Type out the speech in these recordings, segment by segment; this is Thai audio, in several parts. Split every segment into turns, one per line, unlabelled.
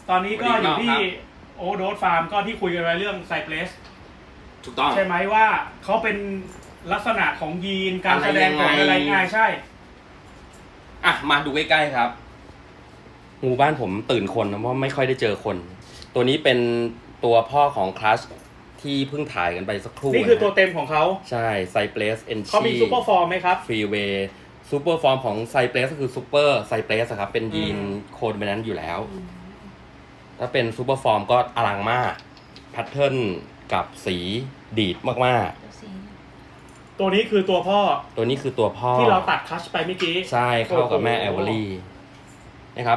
ตอนนี้ก็อยู่ที่โอโดสฟาร์มก็ที่คุยกันไว้เรื่องไซเพลส
ถูกต้อง
ใช่ไหมว่าเขาเป็นลักษณะของยีนการแสดงของอะไรง่ายใช่
อ่ะมาดูใกล้ๆครับงูบ้านผมตื่นคนเพราะไม่ค่อยได้เจอคนตัวนี้เป็นตัวพ่อของคลัชที่เพิ่งถ่ายกันไปสักครู่
นี่คือตัวเต็มของเขา
ใช่ไซเพลสเอนชี
เขามีซูเปอร์ฟอร์มไหมครับ
ฟรีเวย์ซูเปอร์ฟอร์มของไซเพลสก็คือซูเปอร์ไซเพลสครับเป็นยีนโคดเมนต์อยู่แล้วถ้าเป็นซูเปอร์ฟอร์มก็อลังมากแพทเทิร์นกับสีดีดมาก
ๆตัวนี้คือตัวพ่อ
ตัวนี้คือตัวพ่อ
ที่เราตัดคัชไปเมื่อกี้
ใช่เข้ากับแม่แอลเวอรี่นะครับ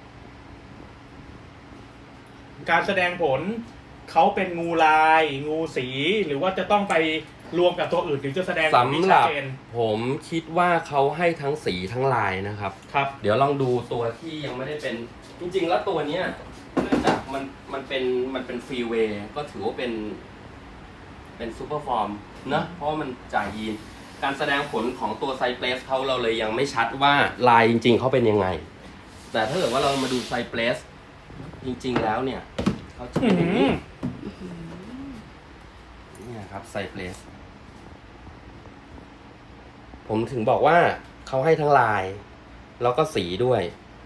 การแสดงผลเขาเป็นงูลายงูสีหรือว่าจะต้องไปรวมกับตัวอื่นถึงจะแสดง
สำหรับผมคิดว่าเขาให้ทั้งสีทั้งลายนะครับ
ครับ
เดี๋ยวลองดูตัวที่ยังไม่ได้เป็นจริงๆแล้วตัวเนี้ยเนื่องจากมันเป็นฟรีเวย์ก็ถือว่าเป็นซูเปอร์ฟอร์มนะเพราะมันจ่ายยีนการแสดงผลของตัวไซเพลสเขาเราเลยยังไม่ชัดว่าลายจริงๆเขาเป็นยังไงแต่ถ้าเกิดว่าเรามาดูไซเพลสจริงๆแล้วเนี่ยเขาจะเป็นอย่างนี้นี่ครับไซเพลสผมถึงบอกว่าเขาให้ทั้งลายแล้วก็สีด้วย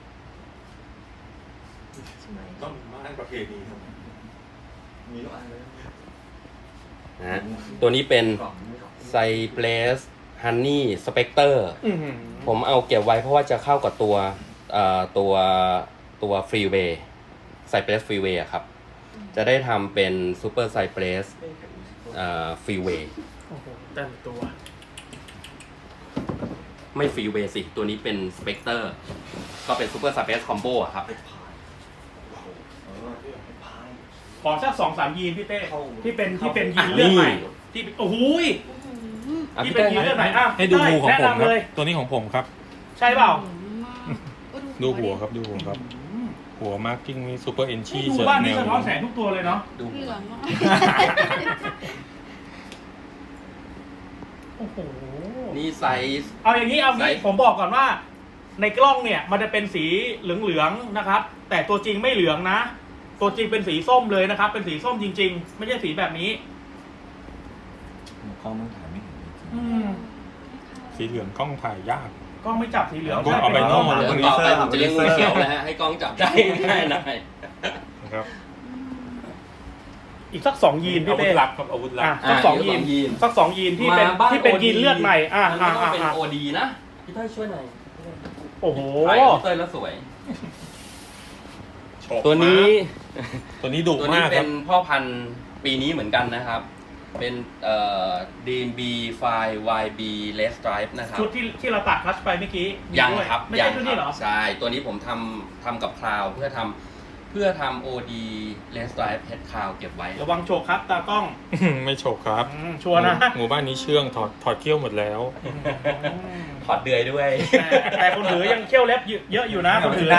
ต้องมาให้ประเพณีครับมีทุกอันเลย
นะตัวนี้เป็นไซเพลสฮันนี่สเปกเตอร์ผมเอาเก็บไว้เพราะว่าจะเข้ากับตัวฟรีเวย์ไซเพลสฟรีเวย์ครับจะได้ทำเป็นซูเปอร์ไซเพลสฟรีเวย์
โอ้โหแต่ตัว
ไม่ฟรีเวย์สิตัวนี้เป็นสเปกเตอร์ก็เป็นซูเปอร์ไซเพลสคอมโบครับ
ขอสัก2-3 ยีนพี่เต้ที่เป็นยีนเลือดใหม่ที่โอ้โหที่เป็นยีนเลือดใหม่
ให้ดูงูของผมครับตัวนี้ของผมครับ
ใช่เปล่า
ดูหัวครับดูหัวครับหัวมาร์กิ้งนี่ซูเปอร์เอนชี
ดูบ้านนี้สะท้อนแสงทุกตัวเลยเนาะ
ดูเหลือง
โอ้โห
นี่ไซส์
เอาอย่างนี้ผมบอกก่อนว่าในกล้องเนี่ยมันจะเป็นสีเหลืองๆนะครับแต่ตัวจริงไม่เหลืองนะตัวจริงเป็นสีส้มเลยนะครับเป็นสีส้มจริงๆไม่ใช่สีแบบนี้
กล้องต้องถ่ายไม่เห็นสีเหลืองกล้องถ่ายยาก
กล้องไม่จับสีเหลือง
เอาไปนอก
เดี๋ยวต่อไปผมจะเลี้ยงงูเขียวแล้วฮะให้กล้องจับได้ง่ายหน่อย
ครับ
อีกสัก2 ยีนพี่เต้
ลับครับอาวุธลับ
สัก2 ยีนที่เป็นยีนเลือดใหม่
เป็นโอดีนะพี่เต้ยช่วยหน่อย
โอ้โห
พี่เต้ยแล้วสวยตัวนี้
ดุมากครับ
เป็นพ่อพันธุ์ปีนี้เหมือนกันนะครับเป็นDMB ไฟ YB Red Stripe นะครับ
ชุดที่เราตัดคัชไปเมื่อกี้
ยังครับ
ไม่ใช่ชุดนี้เหรอ
ใช่ตัวนี้ผมทำกับคลาวเพื่อทำ OD Red Stripe Head Cloud เก็บไว้
ระวังโฉกครับตากล้อง
ไม่โฉกครับ
ชัวร์นะ
งูบ้านนี้เชื่องถอดเขี้ยวหมดแล้ว
ถอดเดือยด้วย
แต่คนถือยังเขี้ยวเล็บเยอะอยู่นะคนถือ
ได้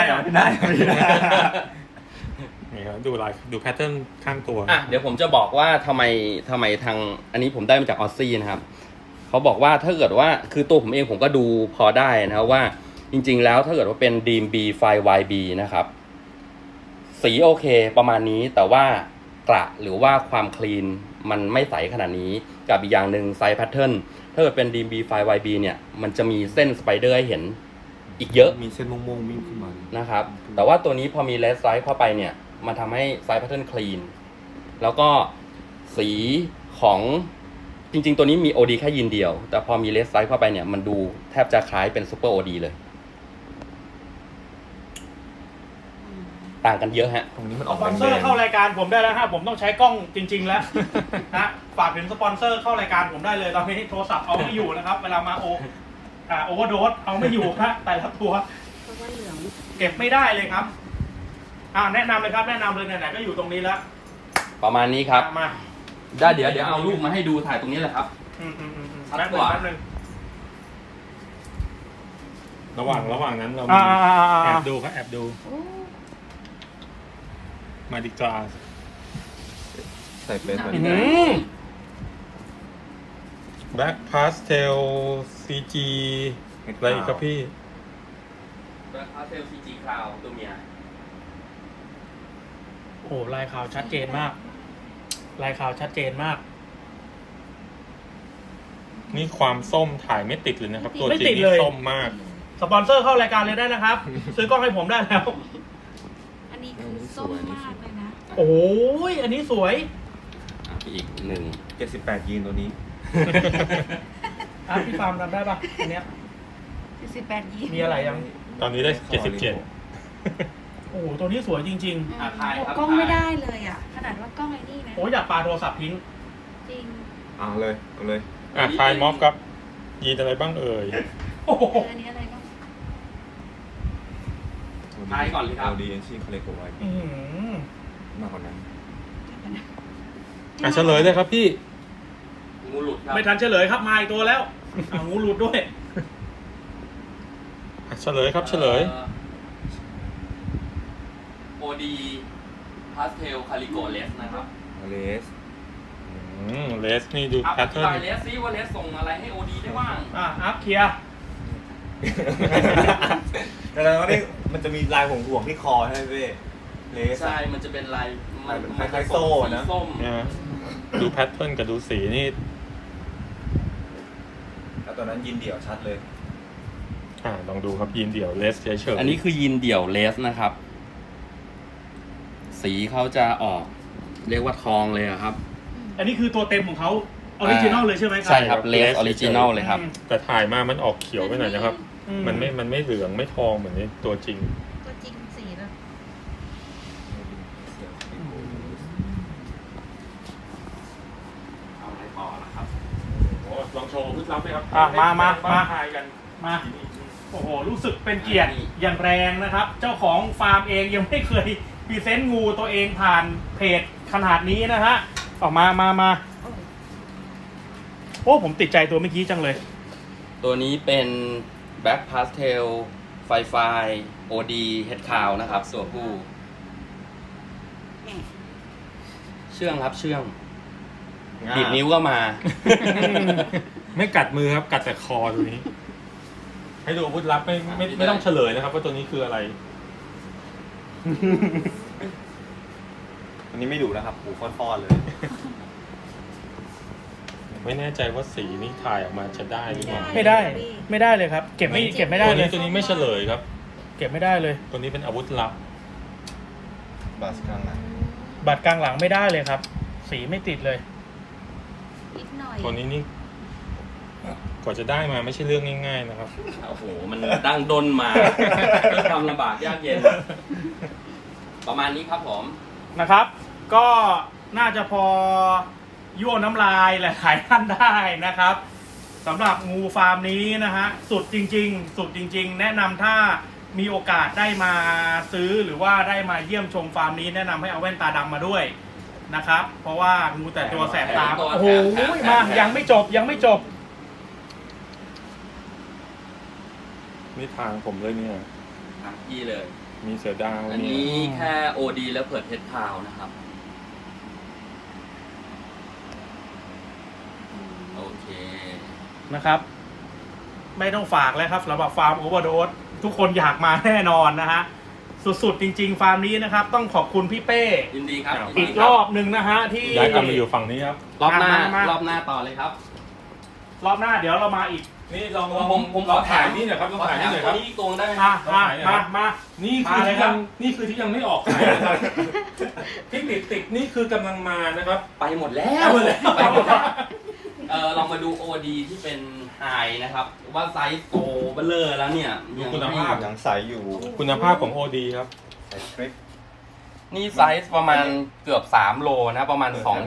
นี่ครับดูแพทเทิร์นข้างตัว
เดี๋ยวผมจะบอกว่าทำไมทางอันนี้ผมได้มาจากออสซี่นะครับเขาบอกว่าถ้าเกิดว่าคือตัวผมเองผมก็ดูพอได้นะครับว่าจริงๆแล้วถ้าเกิดว่าเป็น DMB ไฟ YB นะครับสีโอเคประมาณนี้แต่ว่ากระหรือว่าความคลีนมันไม่ใสขนาดนี้กับอีกอย่างหนึ่งไซส์แพทเทิร์นถ้าเกิดเป็น DMB ไฟ YB เนี่ยมันจะมีเส้นสไปเดอร์ให้เห็นอีกเยอะ
มีเส้นม่วงๆวิ่งขึ้นมา
นะครับแต่ว่าตัวนี้พอมีเลสไซส์เข้าไปเนี่ยมันทำให้ไซส์แพทเทิร์นคลีนแล้วก็สีของจริงๆตัวนี้มี OD แค่ยีนเดียวแต่พอมีเลสไซส์เข้าไปเนี่ยมันดูแทบจะคล้ายเป็นซูเปอร์ OD เลยต่างกันเยอะฮะ
ตรงนี้มัน
สปอนเซอร์เข้ารายการผมได้แล้วฮะผมต้องใช้กล้องจริงๆแล้วนะฝากถึงสปอนเซอร์เข้ารายการผมได้เลยตอนนี้โทรศัพท์เอาไม่อยู่นะครับเวลามาโอเวอร์โดสเอาไม่อยู่ครับแต่ละตัวเก็บไม่ได้เลยครับแนะนำเลยครับแนะนำเลยไหนๆก็อยู่ตรงนี้แล้ว
ประมาณนี้ครับ
มา
ได้เดี๋ยวเอารูปมาให้ดูถ่ายตรงนี้แหละครับ
แป๊บนึง
ระหว่างนั้นเราแอบดูครับแอบดูมาดิกาใส่เป็นแบบนี้แบ็คพาสเทลซีจีอะไรอีกครับพี่
แบ็คพาสเทลซีจีคลาวตัวเมีย
โอ้ลายขาวชัดเจนมาก ลายขาวชัดเจนมาก
นี่ความส้มถ่ายไม่ติดเลยนะครับ ตัวจ
ไม่
ริ
ติ
ง
ดเลย
นี่ส้มมาก
สปอนเซอร์เข้ารายการเลยได้นะครับ ซื้อกล้องให้ผมได้แล้ว
อันนี้คือส้มมากเลยนะ
โอ้ยอันนี้สวย
อีกหนึ่ง
78 ยีนตัวนี้
อ่ะพี่ฟาร์มทำได้ปะอันเนี้ย
18 ยีน
มีอะไรยัง
ตอนนี้ได้
โอ้โหตัวนี้สวยจริง
กล้องไม่ได้เลยอ่ะ ขนาดว่ากล้องไอ้นี่นะ
ๆ โอ้ยอยากปาโทรศัพท์ทิ้ง
จริง
เอาเลยทายม็อบครับ ยีนอะไรบ้างเอ่ย
โอ้โห
อันนี้อะไรบ้าง
ทายก่อนเลยครับ
ดีเอ็นซีเขาเล็กกว่าไว้
อื้อหือ
มากกว่านั้น
อ่ะ
เฉลยเลยครับพี่
งูหลุดครับ
ไม่ทันเฉลยครับมาอีกตัวแล้วอ่ะงูหลุดด้วย
เฉลยครับเฉลย
โอดีพาสเทลคาริโกเลสนะครับ
เลสเลสนี่ดู
อัพ
แพ
อ
ท
ธิ
เทิร์
บาย
น
เลสซิว่าเลสส่งอะไรให้โอดีได้บ้าง
อัพเคลียร์
แต่แล้วนี่มันจะมีลายห่วงๆที่คอใช่ไหมพี่เลส
ใช่ มันจะเป็นลาย
มันคล้ายๆโซ่นะ
สีส้ม
นะดูแพทเทิร์นกับดูสีนี่
แล้วตอนนั้นยินเดี่ยวชัดเลย
ลองดูครับยีนเดี่ยวเลสเฉยๆ
อันนี้คือยีนเดี่ยวเลสนะครับ สีเขาจะออก เรียกว่าทองเลยอะครับ
อันนี้คือตัวเต็มของเขาออริจินอลเลยใช่ไหมครั
ใช่ครับเลสออริจินอลเลยครับ
แต่ถ่ายมามันออกเขียวไปหน่อยนะครับ
อื
มันไม่เหลืองไม่ทองเหมือนในตัวจริง
ตัวจริงสีแล้ว
เอาอะไรต่อนะครับ
ลองโชว์พุทลับไหมครับ
มา
ถ่ายกัน
มาโอ้โหรู้สึกเป็นเกียรติอย่างแรงนะครับ เจ้าของฟาร์มเองยังไม่เคยพรีเซนต์งูตัวเองผ่านเพจขนาดนี้นะฮะออกมาโอ้ผมติดใจตัวเมื่อกี้จังเลย
ตัวนี้เป็น Black Pastel ไฟไฟ OD Head Cow นะครับตัวผู้ เชื่องครับเชื่องดีดนิ้วก็มา
ไม่กัดมือครับ กัดแต่คอตัวนี้ ให้ดูอาวุธลับไม่ต้องเฉลยนะครับว่าตัวนี้คืออะไร
อันนี้ไม่ดูนะครับหูฟอดๆเลย
ไม่แน่ใจว่าสีนี่ถ่ายออกมาจะได้หรือเปล่า
ไม่ได้เลยครับ เก็บไม่ได้เลย
ตัวนี้ไม่เฉลยครับ
เก็บไม่ได้เลย
ตัวนี้เป็นอาวุธลับ
บัสกลางหลัง
บัตรกลางหลังไม่ได้เลยครับ สีไม่ติดเลย
นิดหน่อย
ตัวนี้นี่กว่าจะได้มาไม่ใช่เรื่องง่ายๆนะครับ
โอ้โห มันดั้งด้นมา ทำลำบากยากเย็น ประมาณนี้ครับผม
นะครับ ก็น่าจะพอยั่วน้ำลายหลายๆท่านได้นะครับสำหรับงูฟาร์มนี้นะฮะสุดจริงๆ แนะนำถ้ามีโอกาสได้มาซื้อหรือว่าได้มาเยี่ยมชมฟาร์มนี้แนะนำให้เอาแว่นตาดำมาด้วยนะครับ เพราะว่างูแต่ตัวแสบตา
แถมตัว
โอ้โห
แถม
มายังไม่จบ
นี่ทางผมเลยเนี่ย
อ่ะพี่เลย
มีเสือดาว
อัน
เนี่ย
นี้แค่ OD แล้วเปิดเฮดคาวนะครับ โอเค
นะครับ ไม่ต้องฝากแล้วครับสำหรับฟาร์มโอเวอร์โดสทุกคนอยากมาแน่นอนนะฮะสุดๆจริงๆฟาร์มนี้นะครับต้องขอบคุณพี่เป้
ยินดีครับ
อีกรอบหนึ่งนะฮะที่
ย้ายกลับมาอยู่ฝั่งนี้ครับ
รอบหน้า
มา
รอบหน้าต่อเลยครับ
รอบหน้าเดี๋ยวเรามาอีก
นี่ลอง
ผมขอถ่ายนี่หน่อยครับลองถ่ายนี่หน่อยครับตัวนี้อีกตัวได้ไหม
มา
นี่
มา
คือ
เลย
ที่
ครั
ยั
บ
งนี่คือที่ยังไม่ออกขายนะครับ ที่ติดนี่คือกำลังมานะครับ
ไปหมดแล้วไปหมดแล้วลองมาดู OD ที่เป็นไฮนะครับ ว่าไซส์โตเบลเลอร์แล้วเนี่ย
ดูคุณภาพ
ยังใสอยู่
คุณภาพของ OD ครับ
ใสคลิป
นี่ไซส์ประมาณเกือบ3โลนะประมาณ 2.7 2.8
ล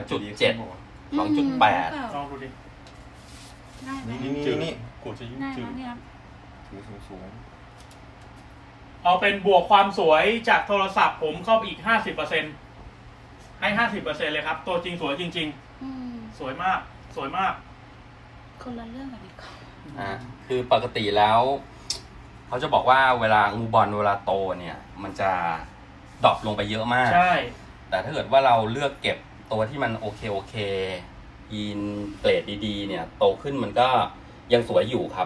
องดูดิ
ได้ไหม
นี่
กูจะยิ่ง
ได้
จื
แล้
ด
วเนี่ย
ถือสูง
เอาเป็นบวกความสวยจากโทรศัพท์ผมเข้าไปอีก 50%ให้ 50%เลยครับ ตัวจริงสวยจริง
อืม
ๆ สวยมาก
คนละเรื่องกับอีกคน
คือปกติแล้ว เขาจะบอกว่าเวลางูบอลเวลาโตเนี่ย มันจะดรอปลงไปเยอะมาก
ใช่
แต่ถ้าเกิดว่าเราเลือกเก็บตัวที่มันโอเคยีนเกรดดีๆ เนี่ย โตขึ้นมันก็ยังสวยอยู่ครับ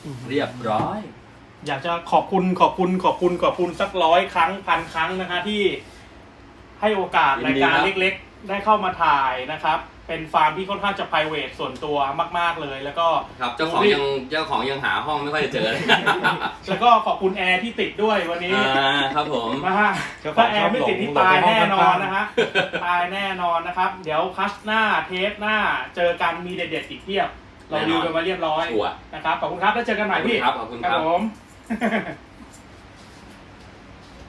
เรียบร้อย
อยากจะขอบคุณสัก100 ครั้ง1,000 ครั้งนะคะที่ให้โอกาส
ยิ
ราน ย
ดี
การ
ครับ
เล็กๆ ได้เข้ามาถ่ายนะครับ เป็นฟาร์มที่ค่อนข้างจะ private ส่วนตัวมากๆเลย แล้วก็
ครับเจ้าของยังหาห้องไม่ค่อยจะเจอเลย
แล้วก็ขอบคุณแอร์ที่ติดด้วยวันนี้
ครับผม
มาฮะถ้าแอร์ไม่ติดนี่ตายแน่นอนนะฮะตายแน่นอนนะครับ เดี๋ยวคัสหน้าเทปหน้าเจอกันมีเด็ดๆอีกเพียบเราดิวกันมาเรียบร้อย
ชัวร์
นะครับขอบคุณครับแล้วเจอกันใหม่พี่
ขอบคุณครับ
ผม